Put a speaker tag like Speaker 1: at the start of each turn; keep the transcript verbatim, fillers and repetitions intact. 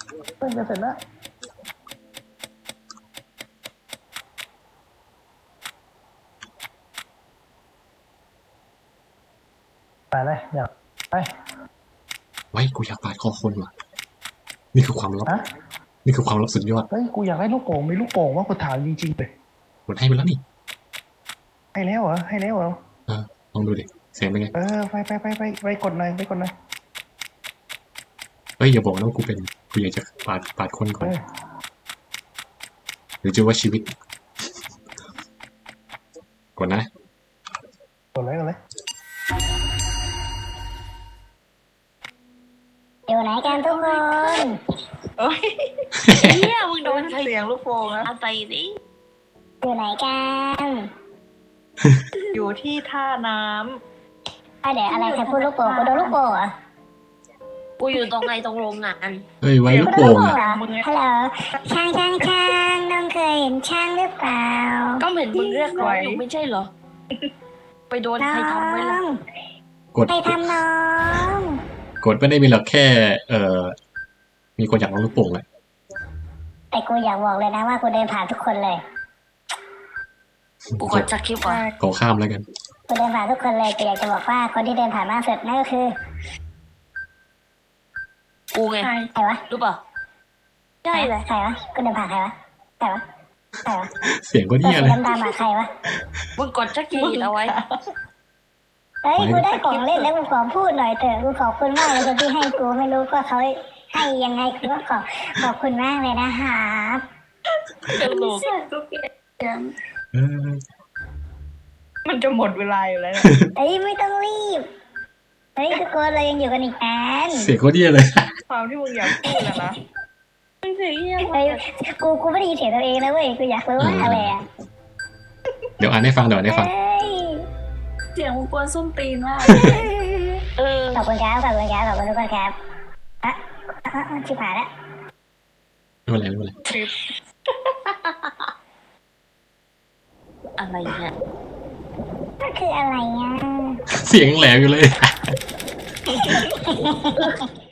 Speaker 1: เพิ่งจะเสร็จแล้วไปเลยอยากไป
Speaker 2: ไว้กูอยากปาดคอคนว่ะนี่คือความลับ
Speaker 1: ฮะ
Speaker 2: นี่คือความลับสุดยอด
Speaker 1: เฮ้ยกูอยากได้ลูกโป่งมีลูกโป่งว่ากูถามจริงๆเลย
Speaker 2: กดให้ไปแล้วนี่
Speaker 1: ให้แล้วเหรอให้แล้วเหรอ
Speaker 2: เออลองดูดิเสียงเป็นไง
Speaker 1: เออไปไปไปไปไปกดหน่อยไปกดหน่อย
Speaker 2: เฮ้ยอย่าบอกนะว่ากูเป็นกูอยากจะปาดปาดคนก่อ
Speaker 1: เอน อ
Speaker 2: หรือจะว่าชีวิตกดนะ
Speaker 1: กดเลยกดเลย
Speaker 3: อยู่ไหนกันทุกคน
Speaker 4: เอ้ยเฮียมึงโดนใคร
Speaker 1: เสียงลูกโป่งนะ
Speaker 4: เอาใส่ดิ
Speaker 3: อยู่ไหนกัน
Speaker 4: อยู่ที่ท่าน้
Speaker 3: อ่ะเดี๋ยวอะไรใครพูดลูกโป่งกูโดนลูกโป่งเหรอ
Speaker 4: ำกูอยู่ตรงไหนตรงโรงงาน
Speaker 2: เฮ้ยไว้ลูก
Speaker 3: กูโดน
Speaker 2: โป่
Speaker 3: ลู
Speaker 2: ง
Speaker 3: กโป่ง
Speaker 2: อะ
Speaker 3: เหรอฮัลโหลช่างช่างช่างน้องเคยเห็นช่างหรือเปล่า
Speaker 4: ก็เห็นมึงเรียกร้องอยู่ไม่ใช่เหรอ ไปโดน
Speaker 3: น้อ
Speaker 4: ใครทำไว้ล่ะ
Speaker 3: ง
Speaker 2: กด
Speaker 3: ใครทำน้อง
Speaker 2: กดไม่ได้มีหรอกแค่ เอ่อมีคนอยากลองลูกโป่งแหละ
Speaker 3: แต่กูอยากบอกเลยนะว่ากูเดินผ่านทุกคนเลย
Speaker 4: กูกดสคริปต์ก่อน
Speaker 2: ขอข้ามแล้วกัน
Speaker 3: กูเดินผ่านทุกคนเลยกูอยากจะบอกว่าคนที่เดินผ่านมากสุดนั่นก็คือ
Speaker 4: กูไง
Speaker 3: ใครวะ
Speaker 4: รู้ป่ะใช่เลย
Speaker 3: ใครวะกูเดินผ่านใครวะใครวะใครวะ
Speaker 2: เสียงก็
Speaker 3: ตัว
Speaker 2: เหี้ย
Speaker 3: สี
Speaker 2: เลย
Speaker 3: ดำๆอะใครวะ
Speaker 4: มึงกดสคริปต์เอาไว้
Speaker 3: เฮ้ยกูได้ของเล่นแล้วกูขอพูดหน่อยเถอะกูขอบคุณมากเลยคนที่ให้กูไม่รู้ว่าเขาให้ยังไงกูก็ขอขอบคุณมากเลยนะครับ
Speaker 4: ตลก
Speaker 2: เออ
Speaker 4: มันจะหมดเวลาอยู่แล้ว
Speaker 3: เฮ้ยไม่ต้องรีบเฮ้ยทุกคนเรายังอยู่กันอีกนาน
Speaker 2: เสียงก็เหี้ยเลย
Speaker 4: ความที่มึงอยากพูดนะนะมึงเสียงเฮีย
Speaker 3: เฮ้ยกูกูไม่ได้ยินเสียงตัวเองนะเว้ยกูอยากรู้ว่าอะไรอ่ะ
Speaker 2: เดี๋ยวอ่านให้ฟังเดี๋ยวอ่านให้ฟัง
Speaker 3: เฮ้ย
Speaker 4: เสียงมึงกวนส้มตีนมากเออ
Speaker 3: ขอบคุณครับขอบคุณครับขอบคุณทุกคนครับอ่ะอ่ะอ่ะชิบหายแล้ว
Speaker 2: ไม่เป็นไรไม่เป็นไร
Speaker 4: อะไรเนี่ย
Speaker 3: ก็คืออะไรอ่ะ
Speaker 2: เสียงแหลมอยู่เลย